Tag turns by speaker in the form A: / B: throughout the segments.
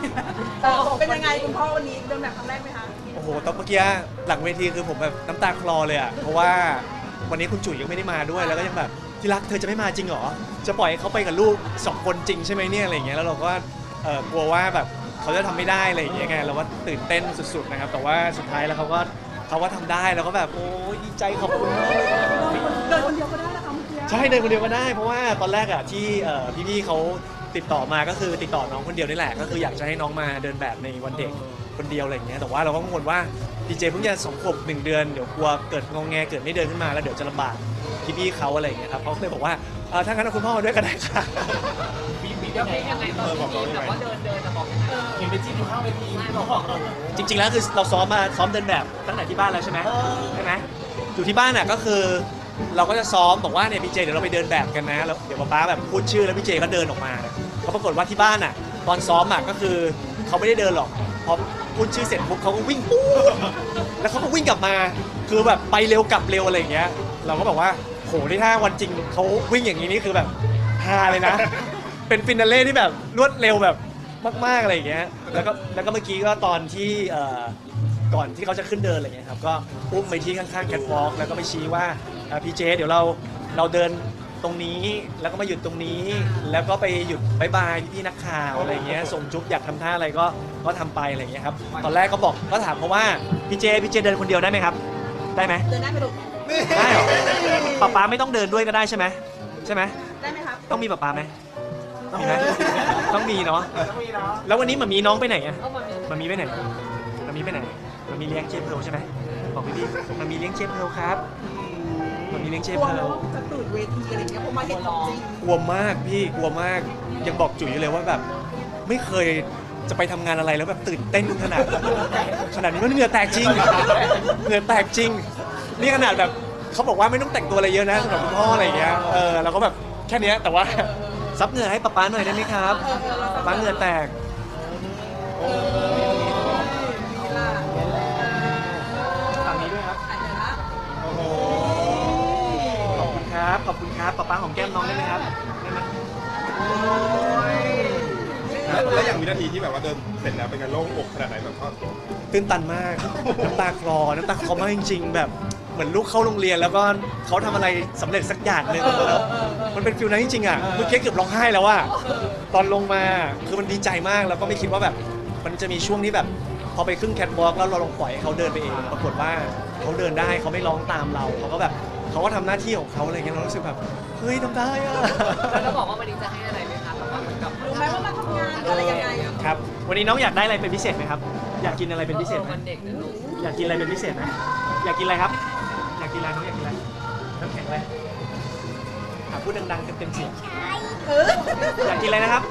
A: เป็นยังไงคุณพ่อวันนี้เดินแบบครั้งแรกไหมคะ
B: โอ้โหตอนเมื่อกี้หลังเวทีคือผมแบบน้ำตาคลอเลยอ่ะเพราะว่าวันนี้คุณจุ๋ยยังไม่ได้มาด้วยแล้วก็ยังแบบที่รักเธอจะไม่มาจริงเหรอจะปล่อยให้เขาไปกับลูก2 คนจริงใช่ไหมเนี่ยอะไรอย่างเงี้ยแล้วเราก็กลัวว่าแบบเขาจะทำไม่ได้อะไรอย่างเงี้ยไงเราก็ตื่นเต้นสุดๆนะครับแต่ว่าสุดท้ายแล้วเขาก็ทำได้แล้วก็แบบโอ้ยดีใจขอบคุณมากเลย
A: เดินคนเดียวก็ได้นะคะเมื่อกี้
B: ใช่เดินคนเดียวก็ได้เพราะว่าตอนแรกอ่ะที่พี่ๆเขาติดต่อมาก็คือติดต่อน้องคนเดียวนี่แหละก็คืออยากจะให้น้องมาเดินแบบในวันเด็กคนเดียวอะไรอย่างเงี้ยแต่ว่าเราก็กังวลว่าดีเจเพิ่งจะ2 ขวบ1 เดือนเดี๋ยวกลัวเกิดงงแงเกิดไม่เดินขึ้นมาแล้วเดี๋ยวจะลำบากพี่ๆเขาอะไรอย่างเงี้ยครับเขาเลยบอกว่าถ้างั้นเอาคุณพ่อมาด้วยก็ได้ค่ะ
C: มียังไงตอนที่แบบว่าเดินจะบอกเห็นเป็นจิ้มอยู่ข้างเวทีบอก
B: จริงๆแล้วคือเราซ้อมเดินแบบตั้งแต่ที่บ้านแล้วใช่ไหมอยู่ที่บ้านอ่ะก็คือเราก็จะซ้อมบอกว่าเนี่ยพี่เจเดี๋ยวเราไปเดินแบบกันนะแล้วเดี๋ยวป๊าแบบพูดชื่อแล้วพี่เจก็เดินออกมาเขาปรากฏว่าที่บ้านอ่ะตอนซ้อมอ่ะก็คือเขาไม่ได้เดินหรอกพอพูดชื่อเสร็จปุ๊บเขาก็วิ่งปุ๊บแล้วเขาก็วิ่งกลับมาคือแบบไปเร็วกลับเร็วอะไรอย่างเงี้ยเราก็บอกว่าโหนี่ถ้าวันจริงเขาวิ่งอย่างนี้นี่คือแบบฮาเลยนะเป็นฟินาเล่ที่แบบรวดเร็วแบบมากๆอะไรอย่างเงี้ยแล้วก็เมื่อกี้ก็ตอนที่ก่อนที่เขาจะขึ้นเดินอะไรเงี้ยครับก็อุ้มไปที่ข้างๆแคทวอล์กแล้วก็ไปชี้ว่าพี่เจเดี๋ยวเราเดินตรงนี้แล้วก็มาหยุดตรงนี้แล้วก็ไปหยุดบายบายพี่ๆนักข่าวอะไรเงี้ยส่งจุ๊บอยากทำท่าอะไรก็ทำไปอะไรเงี้ยครับตอนแรกก็ถามเขาว่าพี่เจเดินคนเดียวได้ไหมครับได้ไหม
A: เดินได้ไหมลูก
B: ได้เหรอป๊าไม่ต้องเดินด้วยก็ได้ใช่ไหม
A: ได้ไหมครับ
B: ต้องมีป๊าไหมมีไหมต้องมีเนาะแล้ววันนี้มามีน้องไปไหนอะมามีไปไหนมามีไปไหนมามีเลี้ยงเจเพลใช่ไหมบอกพี่มามีเลี้ยงเจเพลครับมามีเลี้ยงเจ
A: กลั
B: เพ
A: ว
B: ล
A: ไหมว่าจะตื่นเวทีอะไรอย่างเงี้ยเพราะมาเห็นของจริง
B: กลัวมากพี่กลัวมากยังบอกจุ๋ยเลยว่าแบบไม่เคยจะไปทำงานอะไรแล้วแบบตื่นเต้นขนาดนี้มันเหงื่อแตกจริงเหงื่อแตกจริงนี่ขนาดแบบเขาบอกว่าไม่ต้องแต่งตัวอะไรเยอะนะสำหรับคุณพ่ออะไรอย่างเงี้ยเราก็แบบแค่นี้แต่ว่าซับเหงื่อให้ป๊าหน่อยได้ไหมครับป๊าเหงื่อแตกฝั่งนี้ด้วยครับโอ้โหขอบคุณครับป๊าหอมแก้มน้องได้ไหมครับได้ไหม
D: แล้วอย่างวินาทีที่แบบว่าเดินเสร็จแล้วเป็นไงโล่งอกขนาดไหนแบบว่า
B: ตื้นตันมากน้ำตาคลอมากจริงๆแบบเหมือนลูกเข้าโรงเรียนแล้วก็เขาทำอะไรสำเร็จสักอย่างหนึ่งแล้วมันเป็นฟิลนั้นจริงๆอ่ะเมื่อกี้เกือบร้องไห้แล้วว่าตอนลงมาคือมันดีใจมากแล้วก็ไม่คิดว่าแบบมันจะมีช่วงที่แบบพอไปขึ้นแคทวอล์กแล้วเราลองปล่อยให้เขาเดินไปเองปรากฏว่าเขาเดินได้เขาไม่ร้องตามเราเขาก็แบบเขาก็ทำหน้าที่ของเขาอะไรเงี้ยเรารู้สึกแบบเฮ้ยทำได้อ่ะ
C: แล้วบอกว่าวันนี้จะให้อะไรไหมคะแบบว่าเหมือนกับ
A: รู้ไหมว่ามาทำงานอะไรยังไง
B: ครับวันนี้น้องอยากได้อะไรเป็นพิเศษไหมครับอยากกินอะไรเป็นพิเศษไหม
C: วันเด็กนะลูก
B: อยากกินอะไรเป็นพิเศษไหมอยากกินอะไรครับ อยากกินอะไรน้องอยากกินอะไรน้ำแข็งอะไรพูดดังๆเต็มๆเสียงอยากกินอะไรนะครับ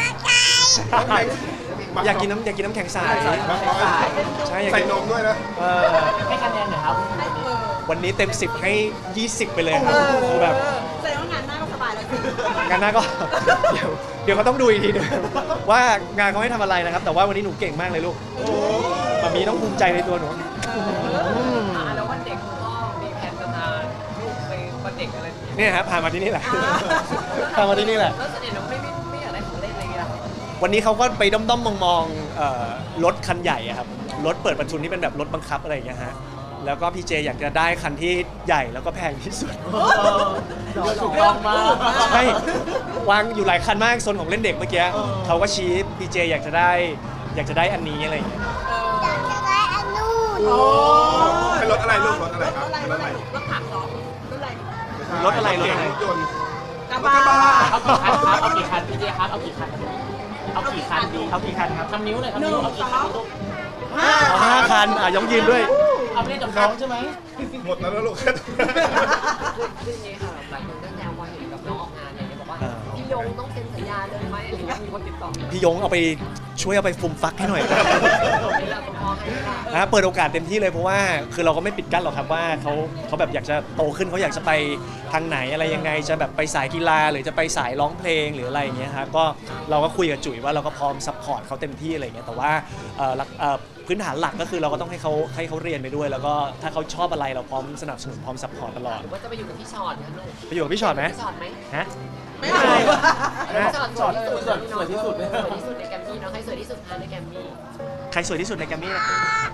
B: อยากกินน้ำแข็งใสใช่อยาก
D: ใส่
B: กิน
D: นมด้วยนะ
C: ให้คะแนนหน่อยครับ
B: วันนี้เต็ม10ให้20ไปเลยครับคือแบบ
A: แสดงว่างานหน้าก็สบายแล้วสิ
B: งานหน้าก็ เดี๋ยวเขาต้องดูอีกทีนึงว่างานเขาให้ทำอะไรนะครับ แต่ว่าวันนี้หนูเก่งมากเลยลูกมามีต้องภูมิใจในตัวหนู
C: แล้ววันเด็กคุณพ่อมีแผนจะพาลูกไปวันเด็กอะไรอย่างเงี้ย
B: เนี่ยครับพามาที่นี่แหละพามาที่นี่แหละ
C: แล้วเสน่ห์เราไม่อยากได้ของเล่นอะไรอย่างเงี้ย
B: วันนี้เขาก็ไปด้อมๆมองๆรถคันใหญ่อะครับรถเปิดประทุนที่เป็นแบบรถบังคับอะไรอย่างเงี้ยฮะแล้วก็พี่เจอยากจะได้คันที่ใหญ่แล้วก็แพงที่สุด
C: ถูกต้องมาก
B: ใช่วางอยู่หลายคันมากโซนของเล่นเด็กเมื่อกี้เขาก็ชี้พี่เจอยากจะได้อันนี้อะไรอย่างเงี้ย
E: อยากจะได้อันนู้น
D: เป็นรถอะไรลูกรถอะไรครับ
A: รถ
D: รถ
A: อะ
D: อะไร ไร
A: รถถังเหรอรถอะไร
B: รถอะไร
D: รถยนต์
A: กระบะ
C: เอากี่คันพี่เจครับเอากี่คันดี
B: เอากี่คันครับ
C: ทำนิ้วเลยครับ
A: หนึ่
C: นิ้
A: ง
C: วเอา
A: ส
C: กี่
A: อ
C: คัน
A: ง
C: ลูก
B: ห้าคันยองยืนด้วย
C: เอาไปเล่นกับน้องใช่ไหม
D: หมดแล้วนะลูก
C: คืออย่างนี้ค่ะหลายคนก็แซวว่าเห็นกับน้องออกงานอะไรอย่างเงี้ยบอกว่าพี่ยงต้องเซ็นสัญญาเลยไหมอะไรอย่างเงี้ยมีคนติดต่อ
B: พี่ยงเอาไปช่วยเอาไปฟุมฟักให้หน่อย
C: นี่แหละคุณพ่อให้ค่ะ
B: นะเปิดโอกาสเต็มที่เลยเพราะว่าคือเราก็ไม่ปิดกั้นหรอกครับว่าเขาแบบอยากจะโตขึ้นเขาอยากจะไปทางไหนอะไรยังไงจะแบบไปสายกีฬาหรือจะไปสายร้องเพลงหรืออะไรอย่างเงี้ยครับก็เราก็คุยกับจุ๋ยว่าเราก็พร้อมซัพพอร์ตเขาเต็มที่อะไรอย่างเงี้ยแต่ว่าพื้นฐานหลักก็คือเราก็ต้องให้เขาเรียนไปด้วย แล้วก็ถ้าเขาชอบอะไรเราพร้อมสนับสนุนพร้อมซัพพอร์ตตลอด
C: หรือว่าจะไปอยู่กับพี่ชอตนะลูก
B: ไปอยู่กับพี่ชอตไหม
C: พี่ชอตไหม
B: ฮะ
A: ไม่เอา
C: ช็อตสวยที่สุดเลยสวยที่สุดในแกรมมี่เนาะใครสวยที่สุดคะในแกรมมี่
B: ใครสวยที่สุดในแกรมมี่นะ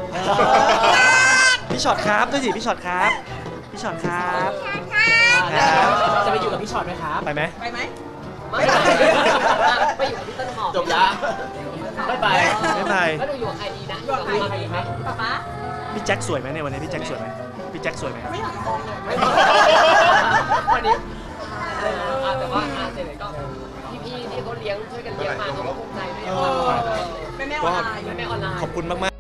B: พี่ช็อตครับด้วยสิพี่ช็อตครับพี่ช็อตครับ
F: จะไปอยู่กับพี่ช็อตไหมครับ
B: ไปไหม
A: ไปไหม
C: ไม่ไปอยู่กับพี่ต้นหอม
F: จบละไม่ไป
B: ไม่ไป
C: แล้วดูอยู่กับใครดีนะ
A: อยู่กับใคร
C: ดีไหม
A: ป๊าป๊า
B: พี่แจ็คสวยไหมในวันนี้พี่แจ็คสวยไหมพี่แจ็คสวยไหมครับ
A: ไม่อยากมองเลย
C: วันนี้แต่ว่าเสร็จเลยก็พี่ๆที่เขาเลี้ยงช่วยกันเลี้ยงมาเขาก็ภูมิใจด้วย
A: แม่ออนไลน์
C: แม่ออนไลน์
B: ขอบคุณมากๆ